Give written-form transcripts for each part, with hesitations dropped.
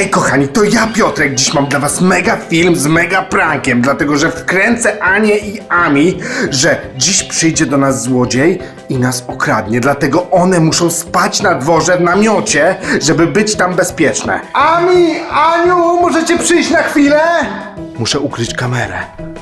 Hej kochani, to ja Piotrek, dziś mam dla was mega film z mega prankiem, dlatego że wkręcę Anię i Ami, że dziś przyjdzie do nas złodziej i nas okradnie, dlatego one muszą spać na dworze w namiocie, żeby być tam bezpieczne. Ami, Aniu, możecie przyjść na chwilę? Muszę ukryć kamerę.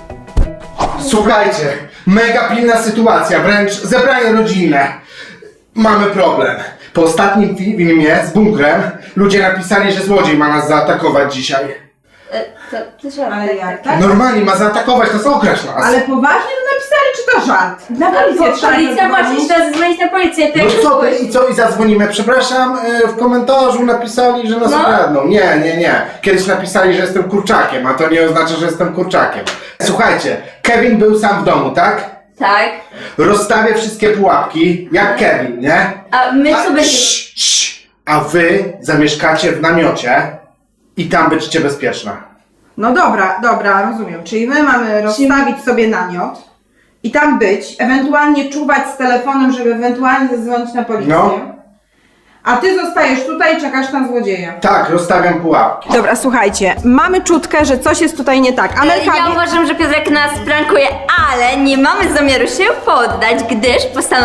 Słuchajcie, mega pilna sytuacja, wręcz zebranie rodzinne. Mamy problem. Po ostatnim filmie z bunkrem ludzie napisali, że złodziej ma nas zaatakować dzisiaj. To żart. Ale jak, tak? Normalnie ma zaatakować nas, okraść nas. Ale poważnie to napisali, czy to żart? Na policję trzeba Policja zadzwonić. właśnie trzeba zadzwonić na policję. No co ty i co i zadzwonimy? Przepraszam, w komentarzu napisali, że nas okradną. Nie. Kiedyś napisali, że jestem kurczakiem, a to nie oznacza, że jestem kurczakiem. Słuchajcie, Kevin był sam w domu, tak? Tak. Rozstawia wszystkie pułapki, jak Kevin, nie? A my co będziemy... A wy zamieszkacie w namiocie i tam będziecie bezpieczne. No dobra, rozumiem. Czyli my mamy rozstawić sobie namiot i tam być, ewentualnie czuwać z telefonem, żeby ewentualnie zadzwonić na policję. No. A ty zostajesz tutaj i czekasz na złodzieja. Tak, rozstawiam pułapki. Dobra, słuchajcie, mamy czutkę, że coś jest tutaj nie tak. Ja uważam, że Piotrek nas prankuje, ale nie mamy zamiaru się poddać, gdyż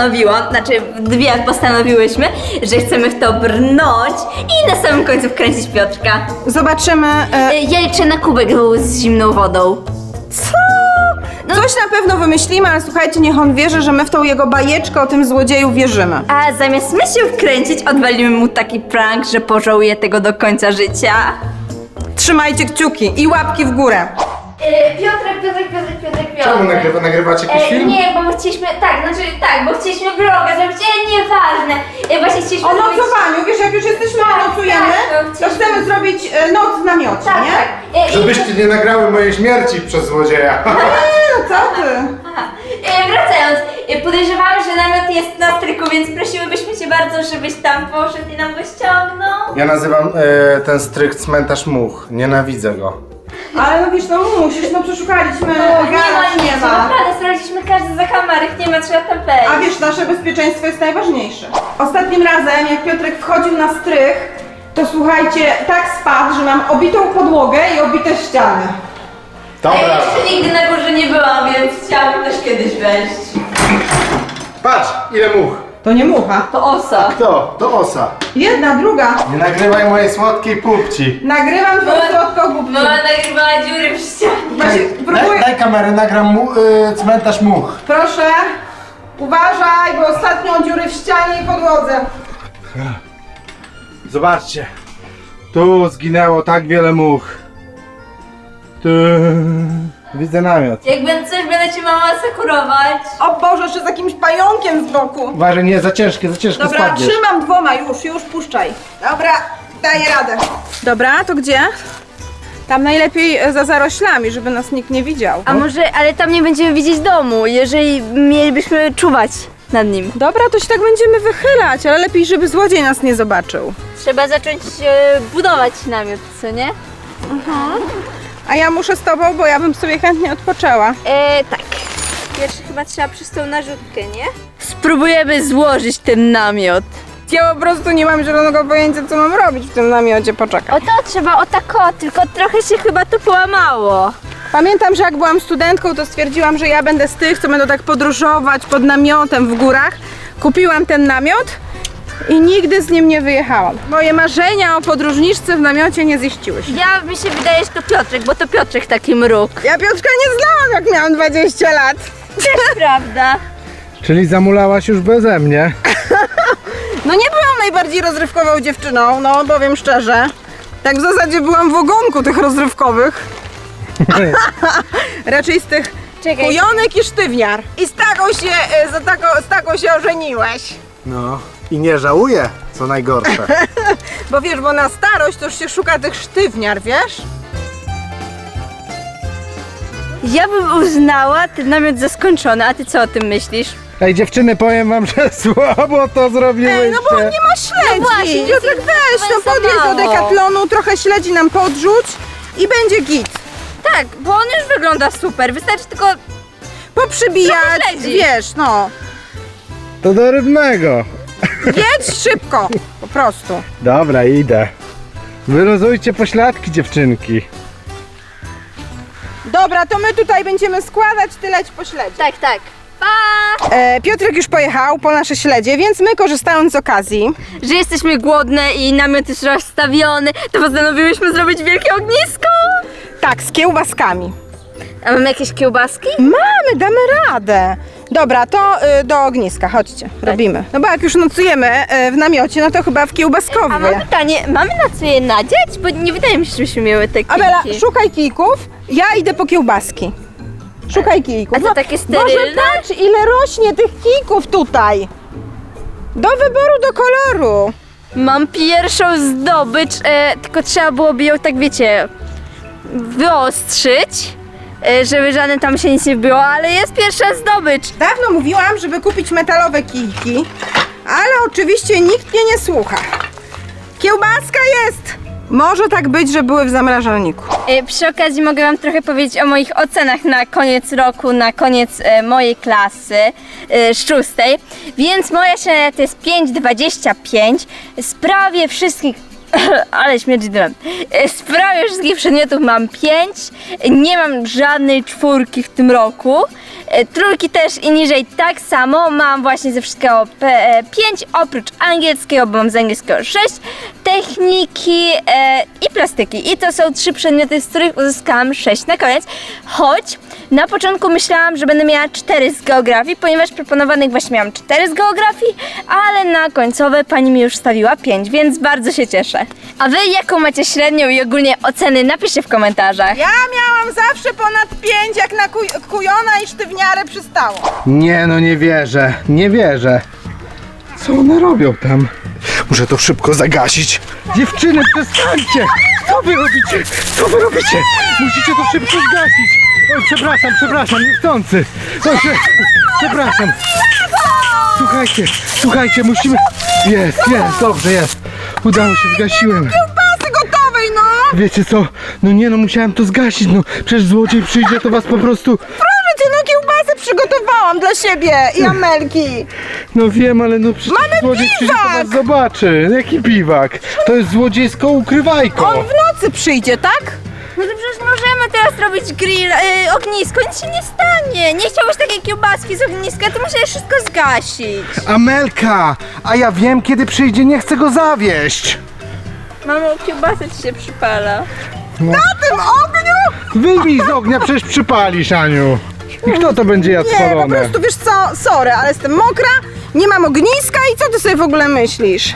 dwie postanowiłyśmy, że chcemy w to brnąć i na samym końcu wkręcić Piotrka. Zobaczymy. Ja liczę na kubek z zimną wodą. Co? Coś na pewno wymyślimy, ale słuchajcie, niech on wierzy, że my w tą jego bajeczkę o tym złodzieju wierzymy. A zamiast my się wkręcić, odwalimy mu taki prank, że pożałuje tego do końca życia. Trzymajcie kciuki i łapki w górę. Piotrek. Czemu nagrywacie jakiś film? Nie, bo chcieliśmy, bo chcieliśmy vloga zrobić, nieważne. Właśnie chcieliśmy O nocowaniu, wiesz, jak już jesteśmy, nocujemy, to chcemy zrobić noc w namiocie, Tak, nie? tak. Żebyście nie nagrały mojej śmierci przez złodzieja. No co ty? Wracając, podejrzewamy, że namiot jest na stryku, więc prosiłybyśmy cię bardzo, żebyś tam poszedł i nam go ściągnął. Ja nazywam ten strych cmentarz much. Nienawidzę go. Ale no wiesz, no musisz, no przeszukaliśmy, Nie ma, naprawdę, sprawdziliśmy każdy zakamarek, nie ma, trzeba tam wejść. A wiesz, nasze bezpieczeństwo jest najważniejsze. Ostatnim razem, jak Piotrek wchodził na strych, to słuchajcie, tak spadł, że mam obitą podłogę i obite ściany. Dobra. Ja jeszcze nigdy na górze nie byłam, więc chciałabym też kiedyś wejść. Patrz, ile much. To nie mucha. To osa. Kto? To osa. Jedna, druga. Nie nagrywaj mojej słodkiej pupci. Nagrywam twoją słodką głupcę. Mama nagrywała dziury w ścianie. Właśnie, próbuję. Daj kamerę, nagram cmentarz much. Proszę, uważaj, bo ostatnio dziury w ścianie i podłodze. Zobaczcie. Tu zginęło tak wiele much. Tu... Widzę namiot. Jak będę coś, będę cię mama asekurować. O Boże, jeszcze z jakimś pająkiem z boku. Uważaj, nie, za ciężkie Dobra, spadniesz. trzymam dwoma, już puszczaj. Dobra, daję radę. Dobra, to gdzie? Tam najlepiej za zaroślami, żeby nas nikt nie widział. A może, ale tam nie będziemy widzieć domu, jeżeli mielibyśmy czuwać nad nim. Dobra, to się tak będziemy wychylać, ale lepiej, żeby złodziej nas nie zobaczył. Trzeba zacząć budować namiot, co nie? A ja muszę z tobą, bo ja bym sobie chętnie odpoczęła. Tak. Pierwszy chyba trzeba przez tą narzutkę, nie? Spróbujemy złożyć ten namiot. Ja po prostu nie mam zielonego pojęcia, co mam robić w tym namiocie, poczekaj. O to trzeba o tak o, tylko trochę się chyba to połamało. Pamiętam, że jak byłam studentką, to stwierdziłam, że ja będę z tych, co będą tak podróżować pod namiotem w górach. Kupiłam ten namiot i nigdy z nim nie wyjechałam. Moje marzenia o podróżniczce w namiocie nie ziściły się. Ja mi się wydaje, że to Piotrek, bo to Piotrek taki mruk. Ja Piotrka nie znałam, jak miałam 20 lat. Też prawda. Czyli zamulałaś już beze mnie. No nie byłam najbardziej rozrywkową dziewczyną, no powiem szczerze. Tak w zasadzie byłam w ogonku tych rozrywkowych. Raczej z tych Czekaj. kujonek i sztywniar. I z taką się ożeniłeś. No. I nie żałuję, co najgorsze. Bo wiesz, bo na starość to już się szuka tych sztywniar, wiesz? Ja bym uznała ten namiot za skończony, a ty co o tym myślisz? Ej dziewczyny, powiem wam, że słabo to zrobiłyście. Ej, no bo nie ma śledzi. No właśnie, Piotrek, weź, no za podjedź do mało. Decathlonu, trochę śledzi nam podrzuć i będzie git. Tak, bo on już wygląda super, wystarczy tylko... Poprzybijać, Trochę śledzi. wiesz, no. To do rybnego. Jedź szybko, po prostu. Dobra, idę. Wyluzujcie pośladki, dziewczynki. Dobra, to my tutaj będziemy składać, ty leć po śledzie. Tak, tak. Pa! Piotrek już pojechał po nasze śledzie, więc my korzystając z okazji, Że jesteśmy głodne i namiot już rozstawiony, to postanowiłyśmy zrobić wielkie ognisko. tak, z kiełbaskami. A mamy jakieś kiełbaski? Mamy, damy radę. Dobra, to do ogniska, chodźcie, robimy. No bo jak już nocujemy w namiocie, no to chyba w A mam kiełbaskowie. pytanie, mamy na co je nadziać? Bo nie wydaje mi się, żebyśmy miały te kijki. Abela, szukaj kijków, ja idę po kiełbaski. Szukaj kijków. A to takie Boże, sterylne? patrz, ile rośnie tych kijków tutaj. Do wyboru, do koloru. Mam pierwszą zdobycz, tylko trzeba byłoby ją tak, wiecie, wyostrzyć, żeby żadne tam się nic nie wbiło, ale jest pierwsza zdobycz. Dawno mówiłam, żeby kupić metalowe kijki, ale oczywiście nikt mnie nie słucha. Kiełbaska jest! Może tak być, że były w zamrażalniku. Przy okazji mogę wam trochę powiedzieć o moich ocenach na koniec roku, na koniec mojej klasy z 6. Więc moja średnia to jest 5,25. Z prawie wszystkich ale śmierdzi dymem. Z prawie wszystkich przedmiotów mam 5. Nie mam żadnej 4 w tym roku. Trójki też i niżej tak samo. Mam właśnie ze wszystkiego 5, oprócz angielskiego, bo mam z angielskiego 6, techniki i plastyki. I to są 3 przedmioty, z których uzyskałam 6 na koniec. Choć na początku myślałam, że będę miała 4 z geografii, ponieważ proponowanych właśnie miałam 4 z geografii, ale na końcowe pani mi już stawiła 5, więc bardzo się cieszę. A wy jaką macie średnią i ogólnie oceny? Napiszcie w komentarzach. Ja miałam zawsze ponad 5, jak na kujona i sztywniarę przystało. Nie no, nie wierzę, nie wierzę. Co one robią tam? Muszę to szybko zagasić. Dziewczyny, przestańcie! Co wy robicie? Co wy robicie? Musicie to szybko zgasić. Oj, przepraszam, niechcący. Oj, przepraszam. Słuchajcie, musimy... Jest, dobrze, jest. Udało się, zgasiłem. Kiełbasy gotowej, no! Wiecie co? No nie no, musiałem to zgasić, no. Przecież złodziej przyjdzie, to was po prostu... Proszę cię, no kiełbasy przygotowałam dla siebie i Amelki. No wiem, ale no przecież Mamy złodziej przyjdzie, to biwak! was zobaczy. Jaki biwak? To jest złodziejsko ukrywajko. On w nocy przyjdzie, tak? No to przecież możemy teraz robić grill, ognisko, nic się nie stanie. Nie chciałbyś takiej kiełbaski z ogniska, to musisz wszystko zgasić. Amelka! A ja wiem, kiedy przyjdzie, nie chcę go zawieść. Mamo, kiełbasa ci się przypala. Na tym ogniu? Wyjmij z ognia, przecież przypalisz, Aniu. I kto to będzie jadł Nie, po spalone? prostu wiesz co, sorry, ale jestem mokra, nie mam ogniska i co ty sobie w ogóle myślisz?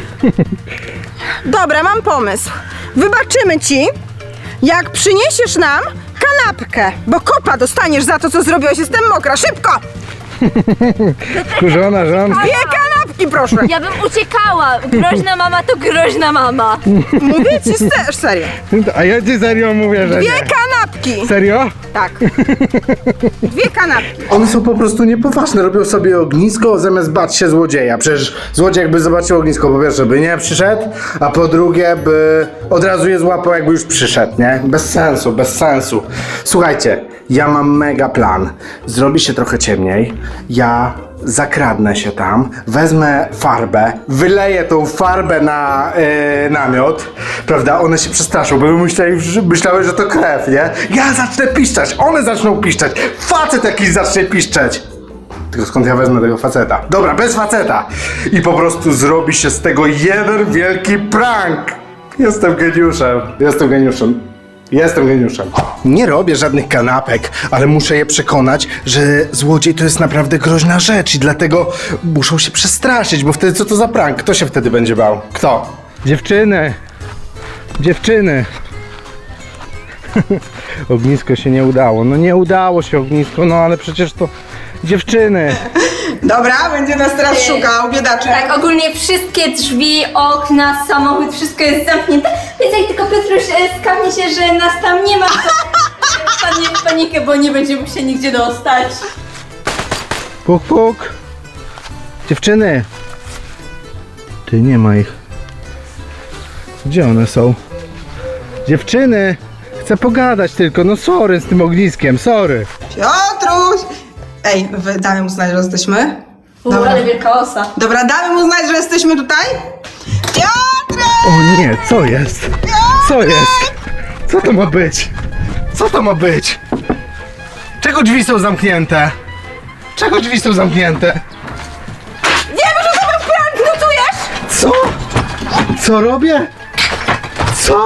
Dobra, mam pomysł. Wybaczymy ci, jak przyniesiesz nam kanapkę, bo kopa dostaniesz za to, co zrobiłeś. Jestem mokra, szybko! Kurzona żona. 2 kanapki, proszę. Ja bym uciekała. Groźna mama to groźna mama. Mówię ci serio. A ja ci serio mówię, że 2 nie. kanapki. Serio? Tak. 2 kanapki. One są po prostu niepoważne, robią sobie ognisko zamiast bać się złodzieja. Przecież złodziej jakby zobaczył ognisko, po pierwsze by nie przyszedł, a po drugie by od razu je złapał, jakby już przyszedł, nie? Bez sensu. Słuchajcie, ja mam mega plan. Zrobi się trochę ciemniej, ja zakradnę się tam, wezmę farbę, wyleję tą farbę na namiot, prawda? One się przestraszą, bo myślały, że to krew, nie? Ja zacznę piszczeć, one zaczną piszczeć, facet jakiś zacznie piszczeć. Tylko skąd ja wezmę tego faceta? Dobra, bez faceta. I po prostu zrobi się z tego jeden wielki prank. Jestem geniuszem. Nie robię żadnych kanapek, ale muszę je przekonać, że złodziej to jest naprawdę groźna rzecz i dlatego muszą się przestraszyć, bo wtedy co to za prank? Kto się wtedy będzie bał? Kto? Dziewczyny. Ognisko się nie udało. No nie udało się ognisko, no ale przecież to... Dziewczyny. Dobra, będzie nas teraz szukał, biedaczek. Tak, ogólnie wszystkie drzwi, okna, samochód, wszystko jest zamknięte. Więc jak tylko Piotruś skapnie się, że nas tam nie ma, to wpadnie w panikę, bo nie będzie mógł się nigdzie dostać. Puk, puk. Dziewczyny. Ty, nie ma ich. Gdzie one są? Dziewczyny. Chcę pogadać tylko, no sorry z tym ogniskiem, sorry. Piotruś! Ej, damy mu znać, że jesteśmy? Dobra. Ale wielka osa. Dobra, damy mu znać, że jesteśmy tutaj? Piotr! O nie, co jest? Co jest? Co to ma być? Co to ma być? Czego drzwi są zamknięte? Czego drzwi są zamknięte? Wiem, że to był prank, notujesz? Co? Co robię? Co?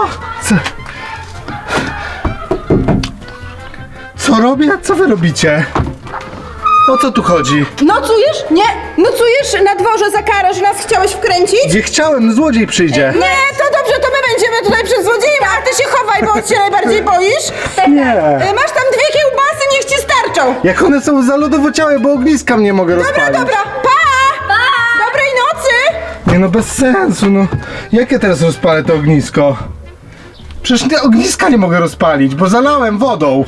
Co robię? Co wy robicie? O co tu chodzi? Nocujesz? Nie, nocujesz na dworze za karę, że nas chciałeś wkręcić? Nie chciałem, złodziej przyjdzie. Nie, to dobrze, to my będziemy tutaj przed złodziejem, a ty się chowaj, bo się najbardziej boisz. Nie. Masz tam 2 kiełbasy, niech ci starczą. Jak one są zalodowociałe, bo ogniska nie mogę Dobra, rozpalić. dobra, pa! Dobrej nocy! Nie no, bez sensu, no. Jak ja teraz rozpalę to ognisko? Przecież te ogniska nie mogę rozpalić, bo zalałem wodą.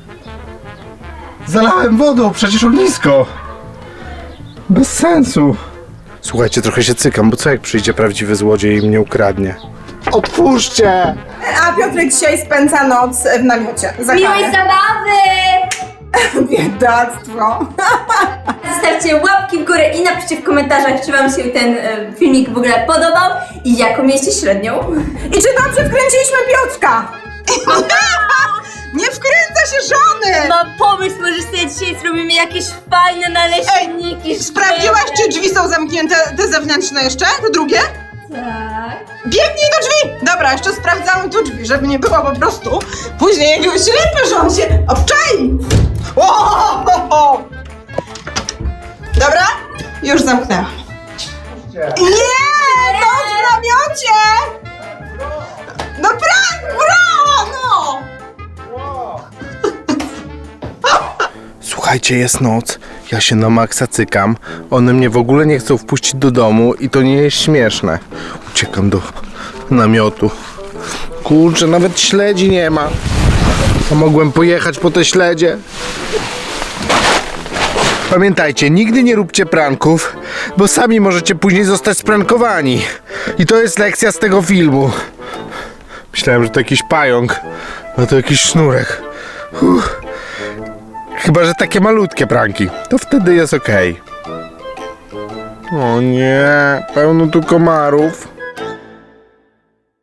Zalałem wodą przecież ognisko. Bez sensu. Słuchajcie, trochę się cykam, bo co jak przyjdzie prawdziwy złodziej i mnie ukradnie? Otwórzcie! A Piotrek dzisiaj spędza noc w namiocie. Za Miłej zabawy! Biedactwo. Zostawcie łapki w górę i napiszcie w komentarzach, czy wam się ten filmik w ogóle podobał i jaką mieliście średnią. I czy dobrze wkręciliśmy Piotrka? Nie wkręca się żony! Mam pomysł, może sobie dzisiaj zrobimy jakieś fajne naleśniki. Sprawdziłaś, czy drzwi są zamknięte, te zewnętrzne jeszcze? Te drugie? Tak. Biegnij do drzwi! Dobra, jeszcze sprawdzamy tu drzwi, żeby nie było po prostu później jakiegoś ślepy, że on się obczai! O! Dobra? Już zamknęłam. Nie! To w namiocie! No brawo! No! Słuchajcie, jest noc, ja się na maksa cykam, one mnie w ogóle nie chcą wpuścić do domu i to nie jest śmieszne. Uciekam do namiotu. Kurczę, nawet śledzi nie ma. A mogłem pojechać po te śledzie. Pamiętajcie, nigdy nie róbcie pranków, bo sami możecie później zostać sprankowani. I to jest lekcja z tego filmu. Myślałem, że to jakiś pająk, a to jakiś sznurek. Chyba że takie malutkie pranki, to wtedy jest okej. O nie, pełno tu komarów.